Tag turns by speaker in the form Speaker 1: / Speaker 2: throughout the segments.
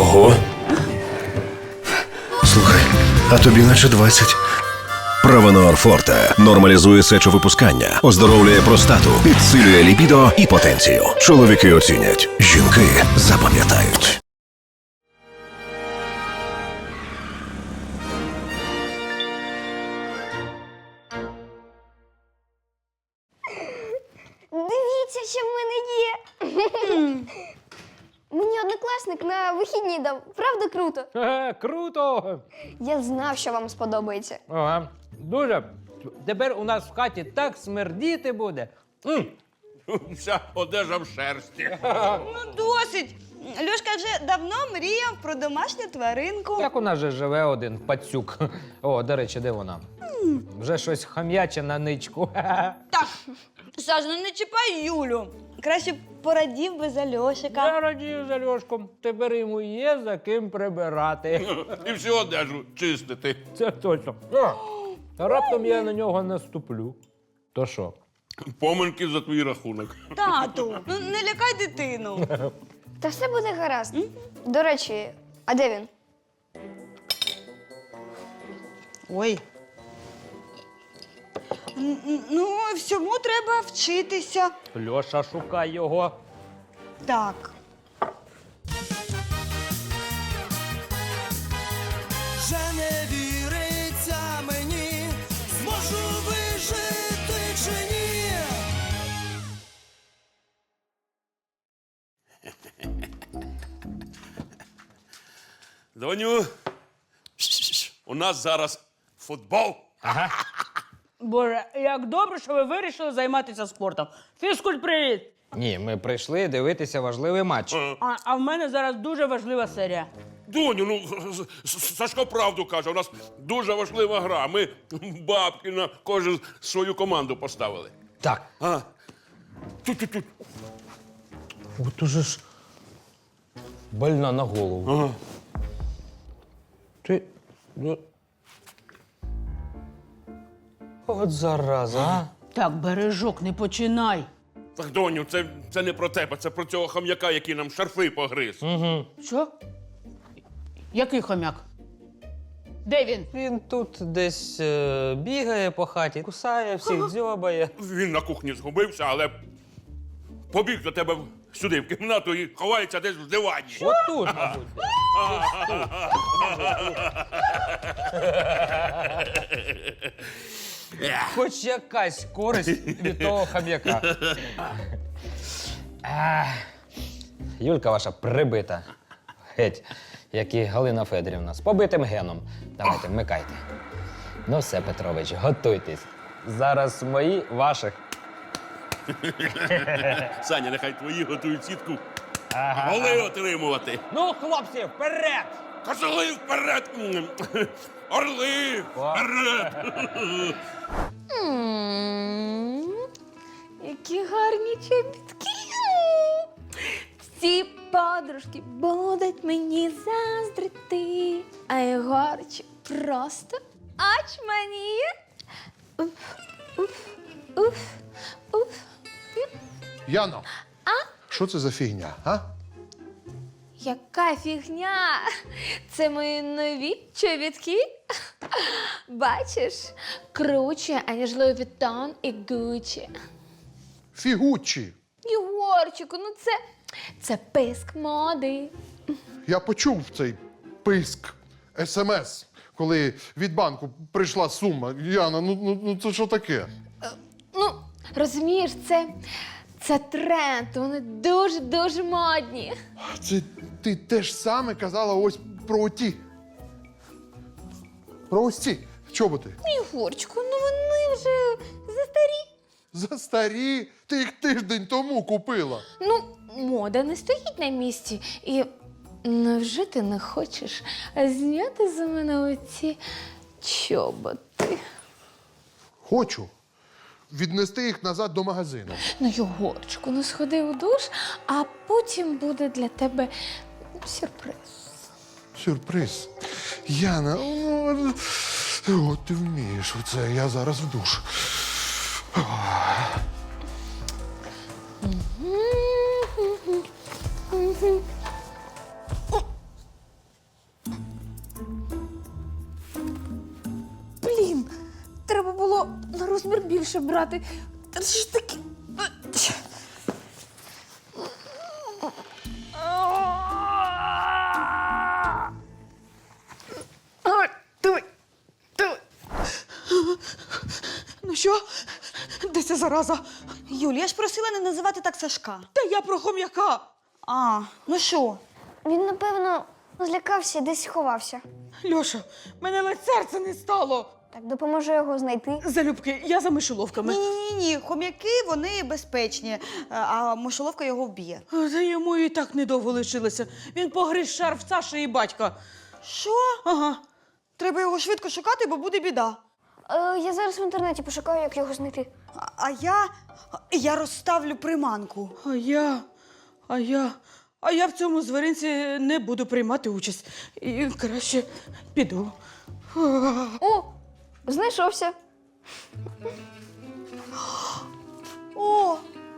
Speaker 1: Ого. Слухай, а тобі наче 20.
Speaker 2: Провенор Форте нормалізує сечовипускання, оздоровлює простату, підсилює лібідо і потенцію. Чоловіки оцінять, жінки запам'ятають.
Speaker 3: Дивіться, що в мене є. Мені однокласник на вихідні дав. Правда круто?
Speaker 4: Круто!
Speaker 3: Я знав, що вам сподобається.
Speaker 4: Ага, дуже. Тепер у нас в хаті так смердіти буде.
Speaker 5: Вся одежа в шерсті.
Speaker 6: Ну, досить. Льошка вже давно мріяв про домашню тваринку.
Speaker 4: Так у нас же живе один пацюк. О, до речі, де вона? Вже щось хам'яче на ничку.
Speaker 6: Так, Саш, ну не чіпай Юлю. Краще б порадів би за Льошика.
Speaker 4: Я радію за Льошком. Тепер йому є за ким прибирати.
Speaker 5: І всю одежу чистити.
Speaker 4: Це точно. Та раптом я на нього наступлю. То що?
Speaker 5: Поминки за твій рахунок.
Speaker 6: Тату, ну не лякай дитину.
Speaker 3: Та все буде гаразд. До речі, а де він?
Speaker 6: Ой. Ну, всьому треба вчитися.
Speaker 4: Льоша, шукай його.
Speaker 6: Так.
Speaker 7: Вже не віриться мені, зможу вижити чи ні.
Speaker 5: Доню, у нас зараз футбол.
Speaker 8: Боже, як добре, що ви вирішили займатися спортом. Фізкульт, привіт!
Speaker 4: Ні, ми прийшли дивитися важливий матч.
Speaker 8: А в мене зараз дуже важлива серія.
Speaker 5: Доню, ну Сашко правду каже, у нас дуже важлива гра. Ми бабки на кожен свою команду поставили.
Speaker 4: Так.
Speaker 5: А, тут.
Speaker 4: От уже ж больна на голову.
Speaker 5: Ага.
Speaker 4: Ти. Ну... От зараза, а?
Speaker 8: Так, бережок, не починай.
Speaker 5: Так, доню, це не про тебе, це про цього хам'яка, який нам шарфи погриз.
Speaker 8: Що? Який хомяк? Де він?
Speaker 4: Він тут десь бігає по хаті, кусає всіх, дзьобає.
Speaker 5: Він на кухні згубився, але побіг до тебе сюди, в кімнату, і ховається десь в дивані.
Speaker 4: Отут, мабуть. Хоч якась користь від того хам'яка. Юлька ваша прибита. Геть, як і Галина Федорівна, з побитим геном. Давайте, вмикайте. Ну все, Петрович, готуйтесь. Зараз мої ваших.
Speaker 5: Саня, нехай твої готують сітку. Голи отримувати.
Speaker 4: Ну, хлопці, вперед!
Speaker 5: Козли вперед! Орли вперед!
Speaker 3: Які гарні чобітки. Ці подружки будуть мені заздрити, а Єгорчик просто очманіє. Уф, уф, уф, уф.
Speaker 9: Яно, що це за фігня, а?
Speaker 3: Яка фігня! Це мої нові чобітки. Бачиш, круче, аніж Луї Віттон і Гуччі.
Speaker 9: Фігучі.
Speaker 3: Єгорчику, ну це писк моди.
Speaker 9: Я почув цей писк, СМС, коли від банку прийшла сума. Яна, ну це що таке?
Speaker 3: Ну, розумієш, це тренд, вони дуже-дуже модні.
Speaker 9: Це ти те ж саме казала ось про оті. Про ось ці чоботи.
Speaker 3: Єгорчику, ну вони вже застарі.
Speaker 9: Застарі, ти їх тиждень тому купила.
Speaker 3: Ну, мода не стоїть на місці. І невже ти не хочеш зняти за мене оці чоботи?
Speaker 9: Хочу віднести їх назад до магазину.
Speaker 3: Ну, Єгорчику, ну сходи у душ, а потім буде для тебе сюрприз.
Speaker 9: Сюрприз. Яна, от ти вмієш оце, я зараз в душ.
Speaker 3: розмір більше брати. Та це ж таки.
Speaker 8: Ну що? Де ця зараза?
Speaker 6: Юль, я ж просила не називати так Сашка.
Speaker 8: Та я про хом'яка.
Speaker 6: А, ну що?
Speaker 10: Він, напевно, злякався і десь ховався.
Speaker 8: Льоша, мене ледь серце не стало.
Speaker 10: Так, допоможу його знайти.
Speaker 8: Залюбки, я за мишоловками.
Speaker 6: Ні, хом'яки, вони безпечні, а мишоловка його вб'є.
Speaker 8: Та йому і так недовго лишилося. Він погриз шарф Саші і батька.
Speaker 6: Що?
Speaker 8: Ага.
Speaker 6: Треба його швидко шукати, бо буде біда.
Speaker 10: Я зараз в інтернеті пошукаю, як його знайти.
Speaker 6: А я розставлю приманку.
Speaker 8: А я в цьому звіринці не буду приймати участь. І краще піду.
Speaker 10: О, знайшовся.
Speaker 6: О!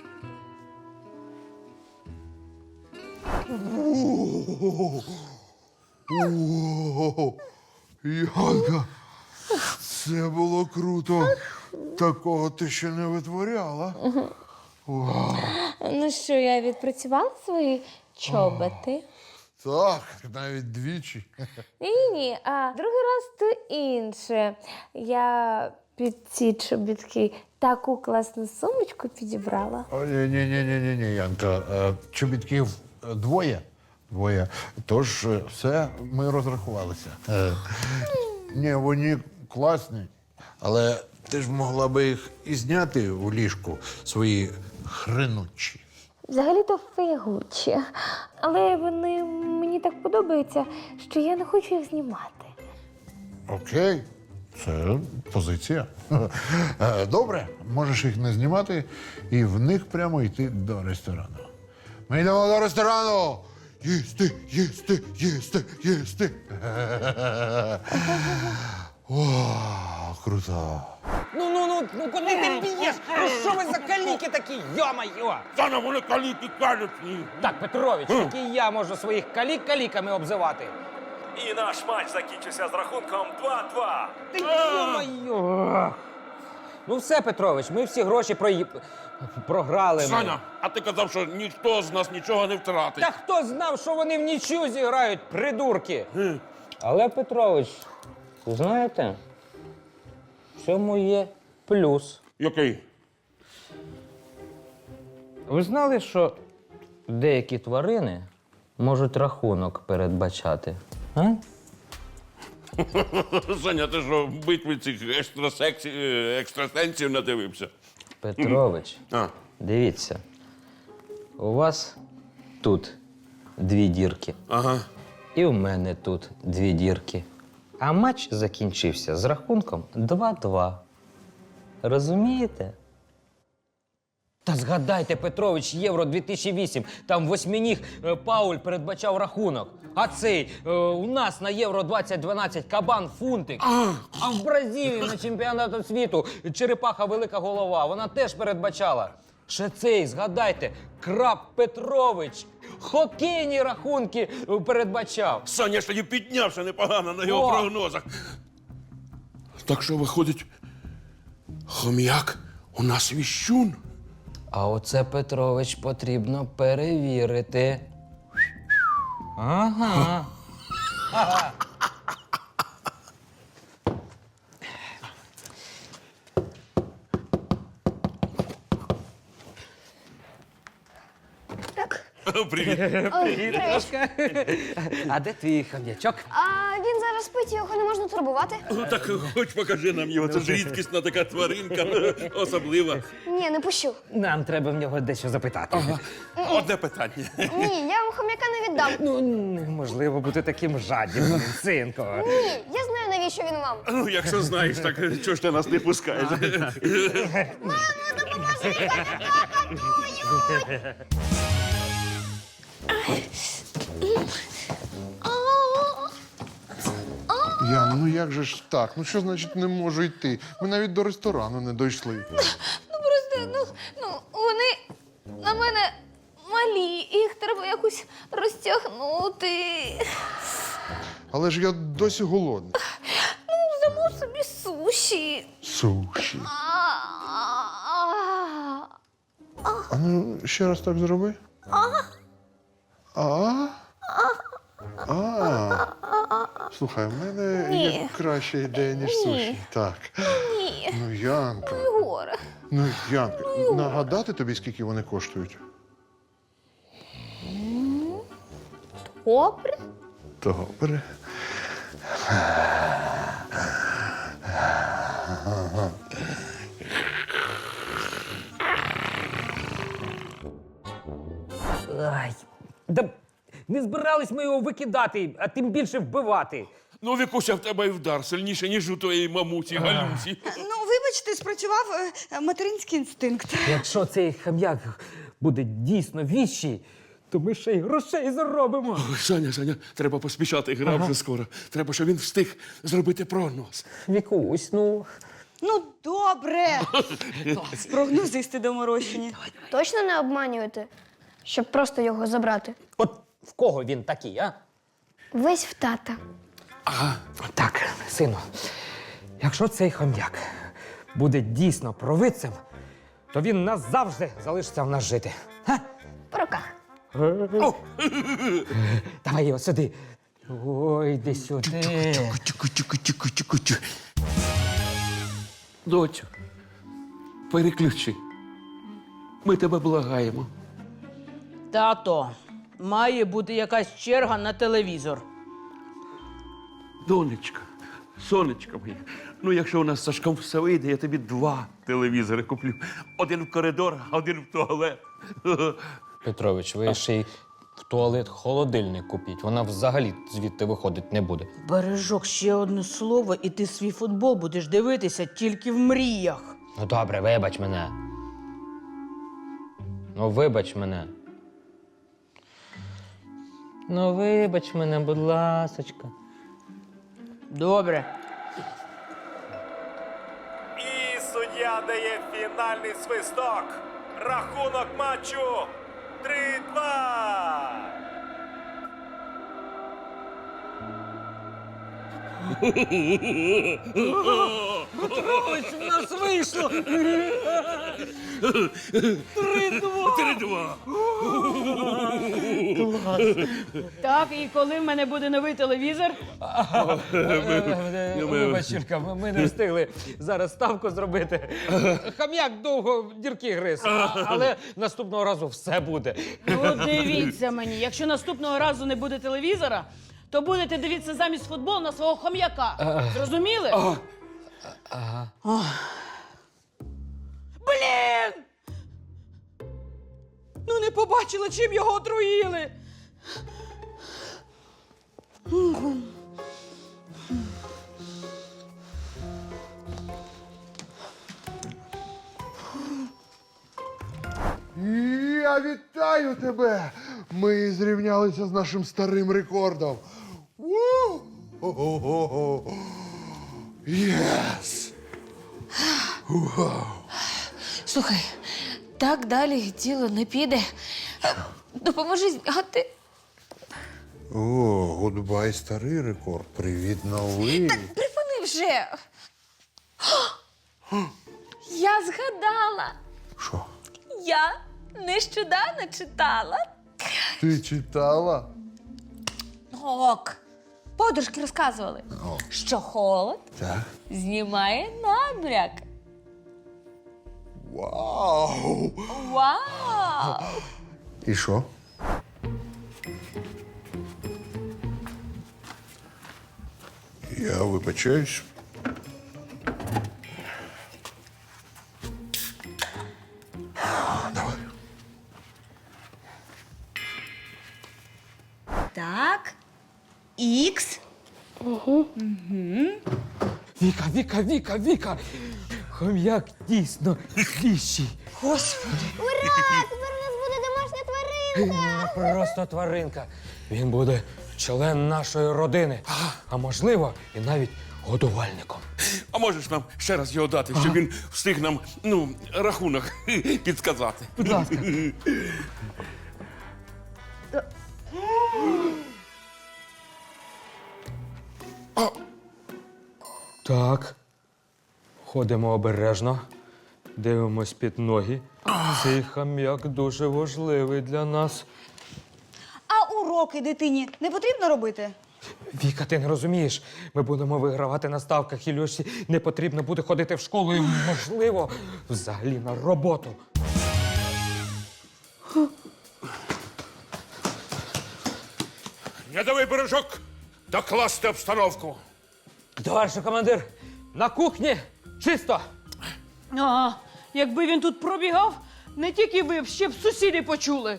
Speaker 9: О, Янка, це було круто. Такого ти ще не витворяла.
Speaker 3: Ну що, я відпрацювала свої чоботи?
Speaker 9: Так, навіть двічі.
Speaker 3: Ні, а другий раз то інше. Я під ці чобітки таку класну сумочку підібрала.
Speaker 9: Ні, Янка, чобітків двоє. Тож все, ми розрахувалися. Ні, вони класні, але ти ж могла би їх і зняти у ліжку, свої хренучі.
Speaker 3: Взагалі-то фігучі. Але вони мені так подобаються, що я не хочу їх знімати.
Speaker 9: Окей, це позиція. Добре, можеш їх не знімати і в них прямо йти до ресторану. Ми йдемо до ресторану! Їсти! О, круто.
Speaker 4: Ну, куди ти б'єш? Ну що ви за каліки такі? Йо-майо!
Speaker 5: Саня, вони каліки кажуть.
Speaker 4: Так, Петрович, який я можу своїх калік каліками обзивати?
Speaker 11: І наш матч закінчився з рахунком 2-2.
Speaker 4: Ти йо-майо! Ну все, Петрович, ми всі гроші програли.
Speaker 5: Саня, а ти казав, що ніхто з нас нічого не втратить.
Speaker 4: Та хто знав, що вони в нічю зіграють, придурки? Але, Петрович, знаєте, в цьому є плюс.
Speaker 5: Який?
Speaker 4: Ви знали, що деякі тварини можуть рахунок передбачати? А?
Speaker 5: Саня, ти що, в битві цих екстрасенсів надивився?
Speaker 4: Петрович, дивіться, у вас тут 2 дірки.
Speaker 5: Ага.
Speaker 4: І в мене тут 2 дірки. А матч закінчився з рахунком 2-2. Розумієте? Та згадайте, Петрович, Євро 2008. Там восьминіг Пауль передбачав рахунок. А цей у нас на Євро 2012 кабан Фунтик. А в Бразилії на чемпіонату світу черепаха Велика Голова. Вона теж передбачала. Ще цей, згадайте, Краб Петрович. Хокейні рахунки передбачав.
Speaker 5: Саня ж тоді піднявся непогано на його прогнозах. Так що виходить, хом'як у нас віщун.
Speaker 4: А оце, Петрович, потрібно перевірити. Ага.
Speaker 5: Привіт.
Speaker 4: А де твій хом'ячок?
Speaker 10: А він зараз спить, його не можна турбувати.
Speaker 5: Так хоч покажи нам його. Це ж рідкісна така тваринка, особлива.
Speaker 10: Ні, не пущу.
Speaker 4: Нам треба в нього дещо запитати.
Speaker 5: Одне питання.
Speaker 10: Ні, я вам хом'яка не віддам.
Speaker 4: Ну, неможливо бути таким жадібним, синку.
Speaker 10: Ні, я знаю, навіщо він вам.
Speaker 5: Ну, якщо знаєш, так чого ж ти нас не пускаєш?
Speaker 9: Яна, ну як же ж так? Ну що значить не можу йти? Ми навіть до ресторану не дійшли.
Speaker 3: Просто, вони на мене малі, їх треба якось розтягнути.
Speaker 9: Але ж я досі голодний.
Speaker 3: Замов собі суші.
Speaker 9: Суші. ну, ще раз так зроби. Слухай, в мене є краща ідея, ніж суші. Так.
Speaker 3: Ні.
Speaker 9: Ну, Янка.
Speaker 3: Горе.
Speaker 9: Ну, Янка, нагадати тобі, скільки вони коштують?
Speaker 3: Добре.
Speaker 9: Добре.
Speaker 4: Ай, да не збирались ми його викидати, а тим більше вбивати.
Speaker 5: Ну, Вікуся, в тебе і вдар сильніше, ніж у твоєї мамусі Галюсі.
Speaker 6: Ну, вибачте, спрацював материнський інстинкт.
Speaker 4: Якщо цей хам'як буде дійсно віщий, то ми ще й грошей заробимо.
Speaker 5: Ой, Саня, треба поспішати, гра вже скоро. Треба, щоб він встиг зробити прогноз.
Speaker 4: Вікусь, ну.
Speaker 6: Ну, добре. Прогнозисти доморощені.
Speaker 10: Точно не обманюєте, щоб просто його забрати?
Speaker 4: От в кого він такий, а?
Speaker 10: Весь в тата.
Speaker 4: Так, сину, якщо цей хом'як буде дійсно провидцем, то він назавжди залишиться в нас жити. Га?
Speaker 10: По руках.
Speaker 4: Давай його сюди. Ой, йди сюди.
Speaker 5: Доцю, переключи. Ми тебе благаємо.
Speaker 8: Тато, має бути якась черга на телевізор.
Speaker 5: Донечка, сонечка моя, ну якщо у нас з Сашком все вийде, я тобі 2 телевізори куплю. Один в коридор, а один в туалет.
Speaker 4: Петрович, ви ще й в туалет холодильник купіть. Вона взагалі звідти виходить не буде.
Speaker 8: Бережок, ще одне слово, і ти свій футбол будеш дивитися тільки в мріях.
Speaker 4: Ну добре, вибач мене. Ну, вибач мене. Ну, вибач мене, будь ласочка.
Speaker 8: Добре.
Speaker 11: І суддя дає фінальний свисток. Рахунок матчу 3-2.
Speaker 8: Петрович, в нас вийшло!
Speaker 5: 3-2.
Speaker 8: Так, і коли в мене буде новий телевізор?
Speaker 4: Вибач, Юлька, ми не встигли зараз ставку зробити. Хам'як довго в дірки гриз, але наступного разу все буде.
Speaker 8: Ну, дивіться мені, якщо наступного разу не буде телевізора, то будете дивитися замість футболу на свого хом'яка. Зрозуміли? Ох. Блін! Ну не побачила, чим його отруїли.
Speaker 9: Я вітаю тебе! Ми зрівнялися з нашим старим рекордом. Єс!
Speaker 3: Слухай, так далі діло не піде. Допоможи зняти.
Speaker 9: О, гудбай, старий рекорд. Привіт, новий.
Speaker 3: Припини вже. Я згадала.
Speaker 9: Що?
Speaker 3: Я нещодавно читала.
Speaker 9: Ти читала?
Speaker 3: Ок. Подружки розказували, що холод
Speaker 9: Так.
Speaker 3: знімає набряк.
Speaker 9: Вау!
Speaker 3: Вау!
Speaker 9: І що? Я вибачаюсь. Давай.
Speaker 6: Так. Ікс.
Speaker 4: Віка! Хом'як дійсно віщий.
Speaker 6: Господи.
Speaker 10: Ура! Тепер у нас буде домашня тваринка!
Speaker 4: Не просто тваринка. Він буде член нашої родини. А можливо, і навіть годувальником.
Speaker 5: А можеш нам ще раз його дати, щоб він встиг нам, рахунок підказати?
Speaker 4: Будь ласка. Так. Ходимо обережно, дивимось під ноги. Цей хам'як дуже важливий для нас.
Speaker 6: А уроки дитині не потрібно робити?
Speaker 4: Віка, ти не розумієш. Ми будемо вигравати на ставках, і Льоші не потрібно буде ходити в школу і, можливо, взагалі на роботу.
Speaker 5: Рядовий бережок, докласти обстановку.
Speaker 4: Товаришу командир, на кухні чисто.
Speaker 8: Ага, якби він тут пробігав, не тільки ви б, ще б сусіди почули.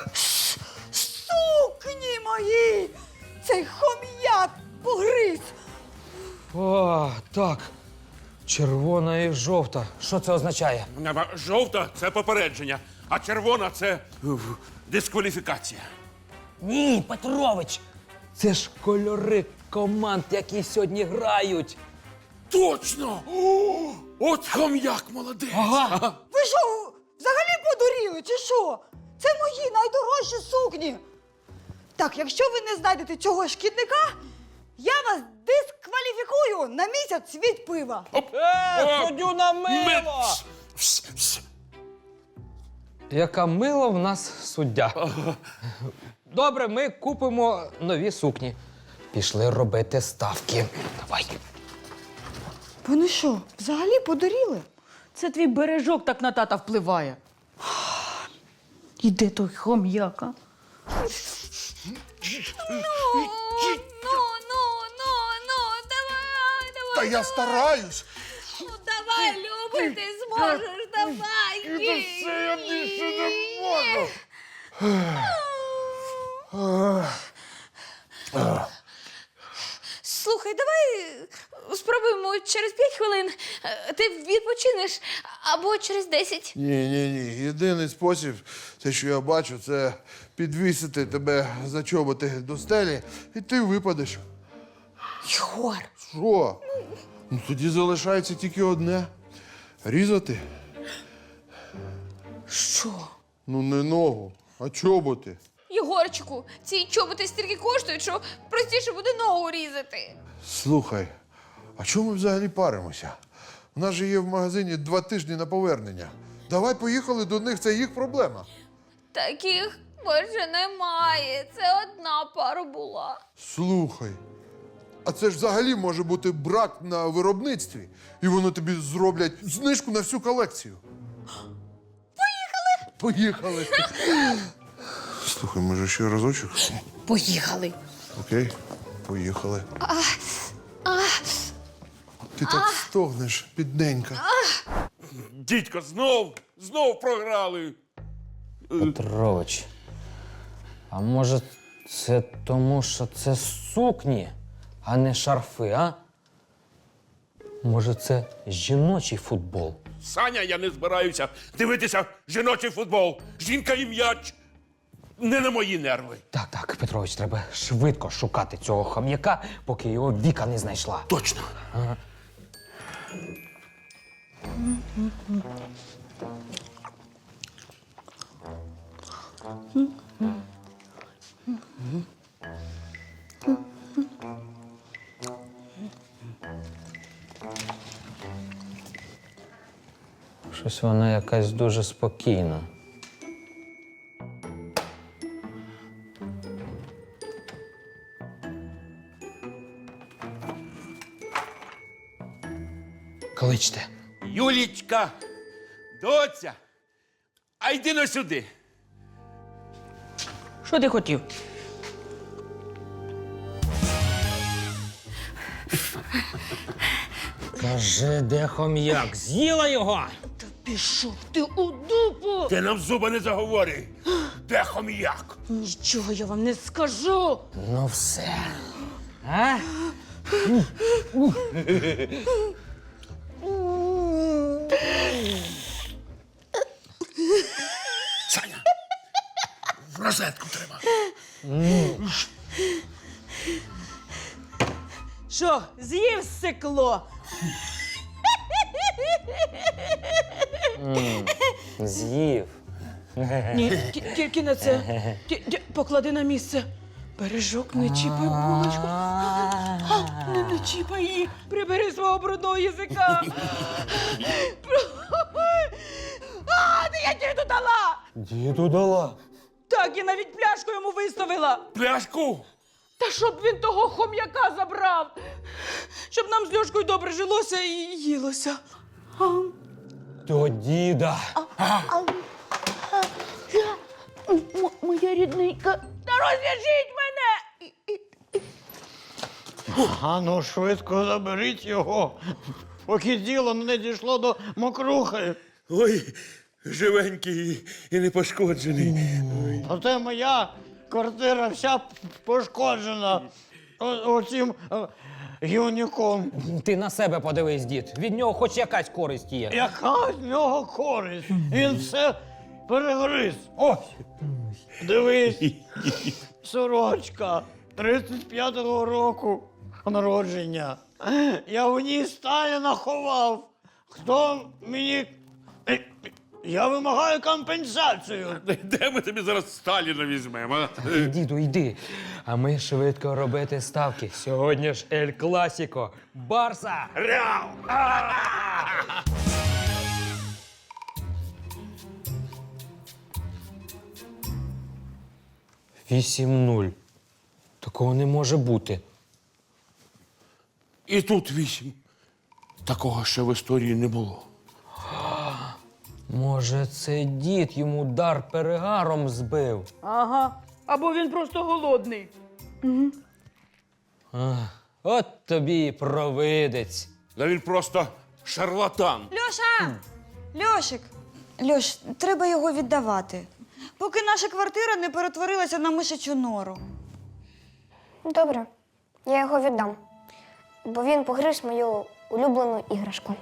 Speaker 6: Сукні мої! Цей хом'як погриз!
Speaker 4: О, так. Червона і жовта. Що це означає?
Speaker 5: Жовта – це попередження, а червона – це дискваліфікація.
Speaker 4: Ні, Петрович. Це ж кольори команд, які сьогодні грають.
Speaker 5: Точно! О, от хом'як молодець!
Speaker 4: Ага.
Speaker 6: Ви що, взагалі подуріли, чи що? Це мої найдорожчі сукні. Так, якщо ви не знайдете цього шкідника, я вас дискваліфікую на місяць від пива.
Speaker 4: Суддю на мило! Яка мила в нас суддя. Добре, ми купимо нові сукні. Пішли робити ставки. Давай.
Speaker 6: Вони що, взагалі подуріли?
Speaker 8: Це твій бережок так на тата впливає. І де той хом'яка?
Speaker 3: Давай.
Speaker 9: Та я стараюсь.
Speaker 3: Давай, Люби, ти зможеш, давай.
Speaker 9: Я більше не можу.
Speaker 3: Слухай, давай спробуємо через 5 хвилин. Ти відпочинеш або через 10.
Speaker 1: Ні. Єдиний спосіб, те, що я бачу, це підвісити тебе за чоботи до стелі, і ти випадеш.
Speaker 3: Єгор.
Speaker 1: Що? Ну тоді залишається тільки одне. Різати.
Speaker 3: Що?
Speaker 1: Ну не ногу, а чоботи.
Speaker 3: Єгорчику, ці чоботи стільки коштують, що простіше буде ногу різати.
Speaker 1: Слухай, а чому ми взагалі паримося? У нас же є в магазині 2 тижні на повернення. Давай поїхали до них, це їх проблема.
Speaker 3: Таких більше немає. Це одна пара була.
Speaker 1: Слухай, а це ж взагалі може бути брак на виробництві, і вони тобі зроблять знижку на всю колекцію. Поїхали! Слухай, може ще разочок?
Speaker 8: Поїхали.
Speaker 1: Окей, поїхали. Ти так стогнеш, бідненька.
Speaker 5: Дідько, знов програли.
Speaker 4: Петрович, а може це тому, що це сукні, а не шарфи, а? Може, це жіночий футбол?
Speaker 5: Саня, я не збираюся дивитися жіночий футбол. Жінка і м'яч. Не на мої нерви.
Speaker 4: Так, Петрович, треба швидко шукати цього хам'яка, поки його Віка не знайшла.
Speaker 5: Точно.
Speaker 4: Щось вона якась дуже спокійна. Кличте.
Speaker 5: Юлічка, доця, а йди но сюди.
Speaker 8: Що ти хотів?
Speaker 4: Кажи, де хом'як? З'їла його?
Speaker 8: Та пішов ти у дупу!
Speaker 5: Ти нам зуба не заговори. Де хом'як?
Speaker 8: Нічого я вам не скажу!
Speaker 4: Ну все. А?
Speaker 5: Саня, в розетку треба.
Speaker 8: Що, з'їв сикло?
Speaker 4: З'їв.
Speaker 8: Ні, тільки не це. Поклади на місце. Бережок, не чіпай булочку. Не чіпай її. Прибери свого брудного язика. А, ти я діду дала!
Speaker 4: Діду дала.
Speaker 8: Так, я навіть пляшку йому виставила.
Speaker 5: Пляшку!
Speaker 8: Та щоб він того хом'яка забрав. Щоб нам з Льошкою добре жилося і їлося.
Speaker 4: До діда.
Speaker 8: Моя рідненька. Та розв'яжіть мене!
Speaker 12: А ну швидко заберіть його, поки діло не дійшло до мокрухи.
Speaker 5: Ой, живенький і не пошкоджений.
Speaker 12: Оце моя квартира вся пошкоджена оцим гівнюком.
Speaker 4: Ти на себе подивись, дід. Від нього хоч якась користь є.
Speaker 12: Яка з нього користь? Він все перегриз. Ось, дивись, сорочка 35-го року народження. Я в ній Сталіна ховав. Хто мені... Я вимагаю компенсацію.
Speaker 5: Де ми тобі зараз Сталіна візьмемо? а?
Speaker 4: Діду, йди. А ми швидко робити ставки. Сьогодні ж Ель Класіко. Барса!
Speaker 5: Ряу!
Speaker 4: 8-0. Такого не може бути.
Speaker 5: І тут 8. Такого ще в історії не було.
Speaker 4: Може, це дід йому дар перегаром збив?
Speaker 8: Ага. Або він просто голодний.
Speaker 4: От тобі і провидець.
Speaker 5: Та він просто шарлатан.
Speaker 6: Льоша! Льошик! Льош, треба його віддавати. Поки наша квартира не перетворилася на мишачу нору.
Speaker 10: Добре, я його віддам. Бо він погриз мою улюблену іграшку.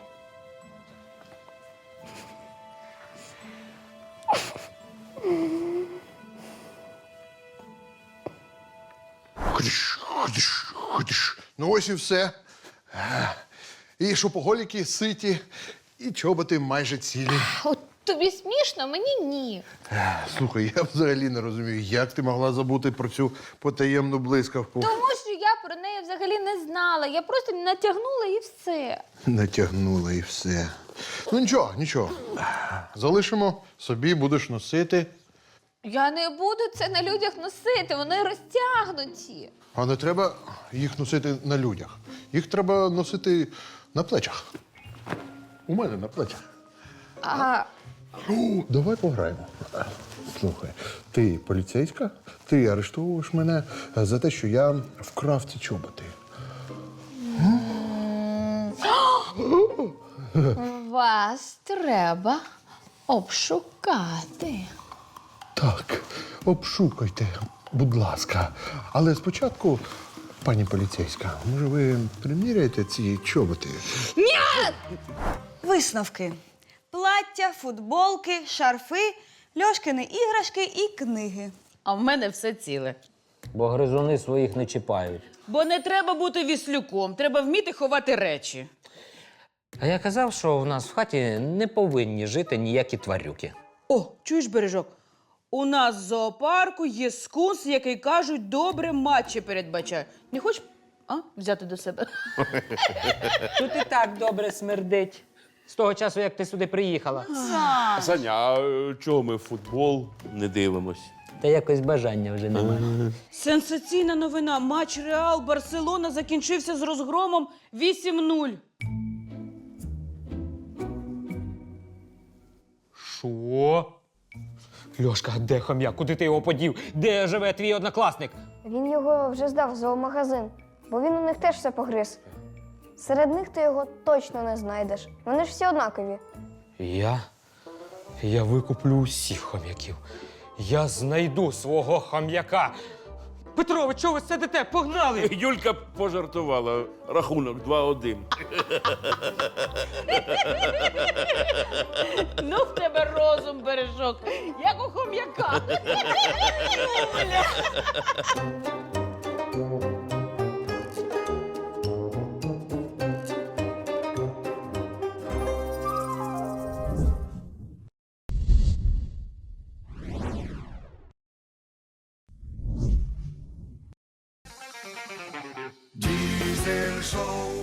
Speaker 1: Ходиш. Ну ось і все. І шопоголіки ситі, і чоботи майже цілі.
Speaker 3: От тобі смішно, мені ні.
Speaker 1: Слухай, я взагалі не розумію, як ти могла забути про цю потаємну блискавку.
Speaker 3: Тому що я про неї взагалі не знала. Я просто натягнула і все.
Speaker 1: Натягнула і все. Ну нічого, нічого. Залишимо, собі будеш носити.
Speaker 3: Я не буду це на людях носити, вони розтягнуті.
Speaker 1: А не треба їх носити на людях. Їх треба носити на плечах. У мене на плечах.
Speaker 3: А
Speaker 1: Давай пограємо. Слухай, ти поліцейська, ти арештовуєш мене за те, що я вкрав ці чоботи.
Speaker 3: вас треба обшукати.
Speaker 1: Так, обшукайте, будь ласка. Але спочатку, пані поліцейська, може ви приміряєте ці чоботи?
Speaker 6: Висновки. Плаття, футболки, шарфи, Льошкини іграшки і книги.
Speaker 8: А в мене все ціле.
Speaker 4: Бо гризуни своїх не чіпають.
Speaker 8: Бо не треба бути віслюком, треба вміти ховати речі.
Speaker 4: А я казав, що в нас в хаті не повинні жити ніякі тварюки.
Speaker 8: О, чуєш, Бережок? У нас в зоопарку є скунс, який, кажуть, добре матчі передбачає. Не хочеш взяти до себе?
Speaker 4: Тут і так добре смердить. З того часу, як ти сюди приїхала.
Speaker 5: Саня, а чого ми в футбол не дивимось?
Speaker 4: Та якось бажання вже немає.
Speaker 8: Сенсаційна новина. Матч Реал-Барселона закінчився з розгромом 8-0.
Speaker 4: Що? Льошка, де хом'як? Куди ти його подів? Де живе твій однокласник?
Speaker 10: Він його вже здав в зоомагазин, бо він у них теж все погриз. Серед них ти його точно не знайдеш. Вони ж всі однакові.
Speaker 4: Я викуплю усіх хом'яків. Я знайду свого хом'яка. Петрович, чого ви сидите? Погнали!
Speaker 5: Юлька пожартувала. Рахунок 2-1.
Speaker 8: Ну, в тебе розум, Бережок, як у хом'яка.
Speaker 7: Diesel Show.